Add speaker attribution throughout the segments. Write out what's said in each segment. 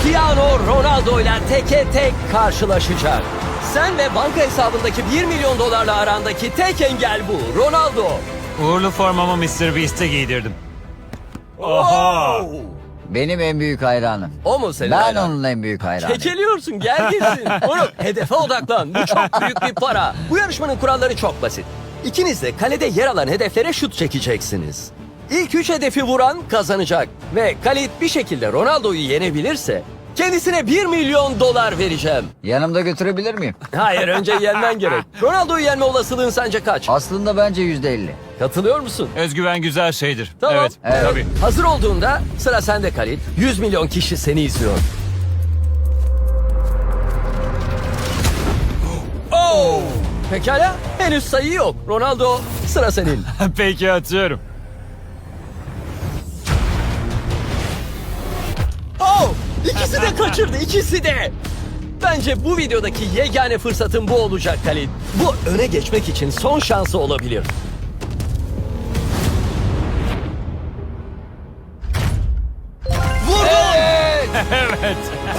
Speaker 1: Cristiano Ronaldo ile teke tek karşılaşacak. Sen ve banka hesabındaki 1 milyon dolarla arandaki tek engel bu. Ronaldo.
Speaker 2: Uğurlu formamı Mr. Beast'e giydirdim. Oha!
Speaker 1: Oo!
Speaker 3: Benim en büyük hayranım.
Speaker 1: O mu senin
Speaker 3: Ben
Speaker 1: hayran?
Speaker 3: onun en büyük hayranıyım.
Speaker 1: Kekeliyorsun, gel gitsin. Oğlum hedefe odaklan. Bu çok büyük bir para. Bu yarışmanın kuralları çok basit. İkiniz de kalede yer alan hedeflere şut çekeceksiniz. İlk 3 hedefi vuran kazanacak. Ve Khalid bir şekilde Ronaldo'yu yenebilirse kendisine 1 milyon dolar vereceğim.
Speaker 3: Yanımda götürebilir miyim?
Speaker 1: Hayır, önce yenmen gerek. Ronaldo'yu yenme olasılığın sence kaç?
Speaker 3: Aslında bence %50.
Speaker 1: Katılıyor musun?
Speaker 2: Özgüven güzel şeydir.
Speaker 1: Tamam.
Speaker 2: Evet,
Speaker 3: Evet.
Speaker 2: tabii.
Speaker 1: Hazır olduğunda sıra sende Khalid. 100 milyon kişi seni izliyor. Oh! Pekala, henüz sayı yok. Ronaldo, sıra senin.
Speaker 2: Peki atıyorum.
Speaker 1: Oh! İkisi de kaçırdı, ikisi de. Bence bu videodaki yegane fırsatın bu olacak Khalid. Bu öne geçmek için son şansı olabilir. Vurdu!
Speaker 2: Evet.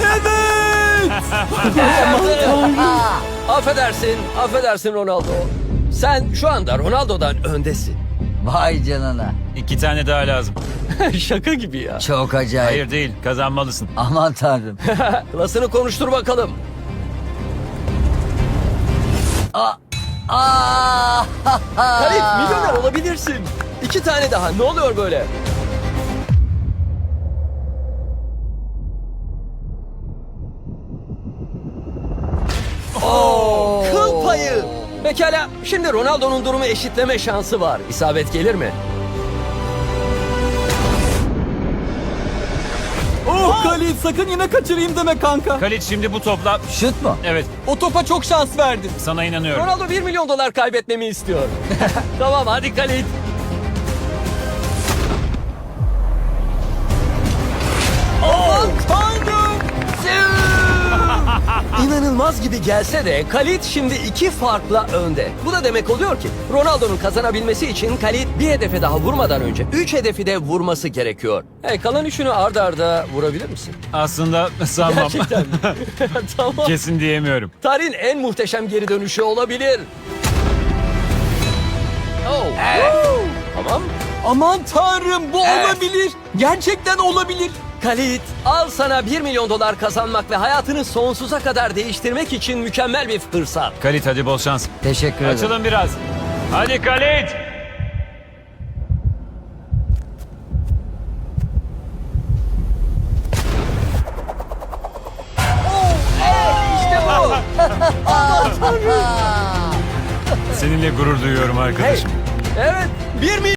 Speaker 1: Affedersin Ronaldo. Sen şu anda Ronaldo'dan öndesin.
Speaker 3: Vay canına.
Speaker 2: 2 tane daha lazım.
Speaker 1: Şaka gibi ya.
Speaker 3: Çok acayip.
Speaker 2: Hayır değil, kazanmalısın.
Speaker 3: Aman tanrım.
Speaker 1: Klasını konuştur bakalım.
Speaker 3: Aa!
Speaker 1: Khalid, milyoner olabilirsin. 2 tane daha, ne oluyor böyle? Kıl payı. Pekala, şimdi Ronaldo'nun durumu eşitleme şansı var. İsabet gelir mi?
Speaker 4: Oh Khalid, sakın yine kaçırayım deme kanka.
Speaker 2: Khalid şimdi bu topla...
Speaker 3: Şut mu?
Speaker 2: Evet,
Speaker 4: O topa çok şans verdin.
Speaker 2: sana inanıyorum.
Speaker 1: Ronaldo 1 milyon dolar kaybetmemi istiyor. Tamam, hadi Khalid.
Speaker 4: Aman tanrım.
Speaker 1: İnanılmaz gibi gelse de Khalid şimdi 2 farkla önde. Bu da demek oluyor ki Ronaldo'nun kazanabilmesi için Khalid bir hedefe daha vurmadan önce 3 hedefi de vurması gerekiyor. Kalan 3'ünü arda arda vurabilir misin?
Speaker 2: Aslında sanmam.
Speaker 1: Gerçekten mi? Tamam.
Speaker 2: Kesin diyemiyorum.
Speaker 1: Tarihin en muhteşem geri dönüşü olabilir. Oh. Woo! Tamam.
Speaker 4: Aman tanrım, bu olabilir. Gerçekten olabilir.
Speaker 1: Khalid, al sana 1 milyon dolar kazanmak ve hayatını sonsuza kadar değiştirmek için mükemmel bir fırsat.
Speaker 2: Khalid hadi bol şans.
Speaker 3: Teşekkür ederim.
Speaker 2: Açılın biraz. Hadi Khalid.
Speaker 1: İşte bu.
Speaker 2: Seninle gurur duyuyorum arkadaşım.
Speaker 1: Evet, 1 milyon.